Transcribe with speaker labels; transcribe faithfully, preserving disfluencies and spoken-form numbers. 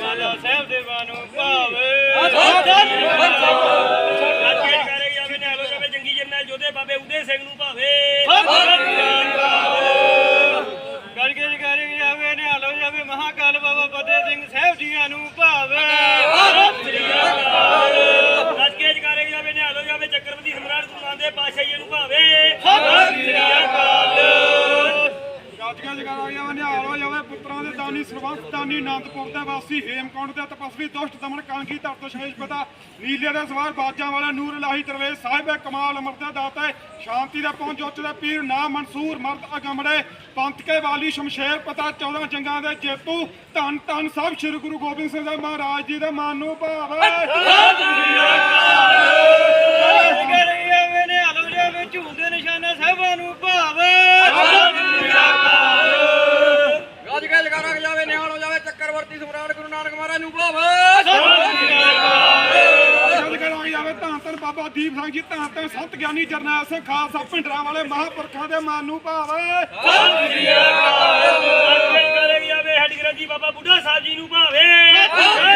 Speaker 1: ਲਾਲਾ ਸਾਹਿਬ ਦੇਵਾਂ ਨੂੰ ਭਾਵੇ ਜੰਗੀ ਜਰਨੈਲ ਜੋਧੇ ਬਾਬੇ ਉਦੇ ਸਿੰਘ ਨੂੰ ਭਾਵੇ ਗੜਕੇ ਜਗਾਰੇ ਜਾਵੇ ਨਿਹਾਲੋ ਜਾਵੇ ਮਹਾਕਾਲ ਬਾਬਾ ਫਤਿਹ ਸਿੰਘ ਸਾਹਿਬ ਜੀਆਂ ਨੂੰ ਭਾਵੇ ਗੜਕੇ ਜਗਾਰੇ ਜਾਵੇ ਨਿਹਾਲੋ ਜਾਵੇ ਚੱਕਰਵਰਤੀ ਸਮਰਾਟ ਗੁਰੂ ਨਾਨਕ ਪਾਤਸ਼ਾਹ ਜੀ ਨੂੰ ਭਾਵੇ
Speaker 2: ਗੱਜੀਆਂ ਜਗਾਰਾ ਜਾਵੇ ਨਿਹਾਲ ਹੋ ਜਾਵੇ ਪੁੱਤਰਾਂ ਦੇ ਦਾਨੀ ਸਰਬੰਸ ਦਾਨੀ ਆਨੰਦਪੁਰ ਦੇ ਵਾਸੀ ਹੇਮਕੁੰਟ ਦੇ ਤਪਸਵੀ ਦੁਸ਼ਟ ਦਮਨ ਕਾਂਗੀ ਧਰਤ ਸ਼ੇਸ਼ ਪਤਾ ਨੀਲੇ ਦੇ ਸਵਾਰ ਬਾਜਾਂ ਵਾਲਾ ਨੂਰ ਇਲਾਹੀ ਦਰਵੇਸ਼ ਸਾਹਿਬ ਕਮਾਲ ਅਮਰ ਦਾ ਦਾਤਾ ਸ਼ਾਂਤੀ ਦਾ ਪਹੁੰਚ ਉੱਚ ਦੇ ਪੀਰ ਨਾ ਮਨਸੂਰ ਮਰਦ ਅਗਮੜੇ ਪੰਥ ਕੇ ਵਾਲੀ ਸ਼ਮਸ਼ੇਰ ਪਤਾ ਚੌਦਾਂ ਜੰਗਾਂ ਦੇ ਜੇਤੂ ਧੰਨ ਧੰਨ ਸਾਹਿਬ ਸ੍ਰੀ ਗੁਰੂ ਗੋਬਿੰਦ ਸਿੰਘ ਸਾਹਿਬ ਮਹਾਰਾਜ ਜੀ ਦੇ ਮਨ ਨੂੰ ਭਾਵੇ ਝੂਲਦੇ ਨਿਸ਼ਾਨੇ ਸਾਹਿਬਾਂ ਨੂੰ ਭਾਵੇ
Speaker 3: ਗੱਜ ਕੇ ਜਗਾਰਾ ਜਾਵੇ ਨਿਹਾਲ ਹੋ ਜਾਵੇ ਚੱਕਰਵਰਤੀ ਸਮਰਾਟ ਗੁਰੂ ਨਾਨਕ ਮਹਾਰਾਜ ਨੂੰ ਭਾਵੇ
Speaker 2: ਜਾਵੇ ਧੰਨ ਧੰਨ ਬਾਬਾ ਦੀਪ ਸਿੰਘ ਜੀ ਧੰਨ ਧੰਨ ਸੰਤ ਗਿਆਨੀ ਜਰਨੈਲ ਸਿੰਘ ਖਾਲਸਾ ਭਿੰਡਰਾਂ ਵਾਲੇ ਮਹਾਂਪੁਰਖਾਂ ਦੇ ਮਨ ਨੂੰ ਭਾਵੇ
Speaker 1: ਜਾਵੇ ਹੱਡੀ ਗ੍ਰੰਥੀ ਬਾਬਾ ਬੁੱਢਾ ਸਾਹਿਬ ਜੀ ਨੂੰ ਭਾਵੇ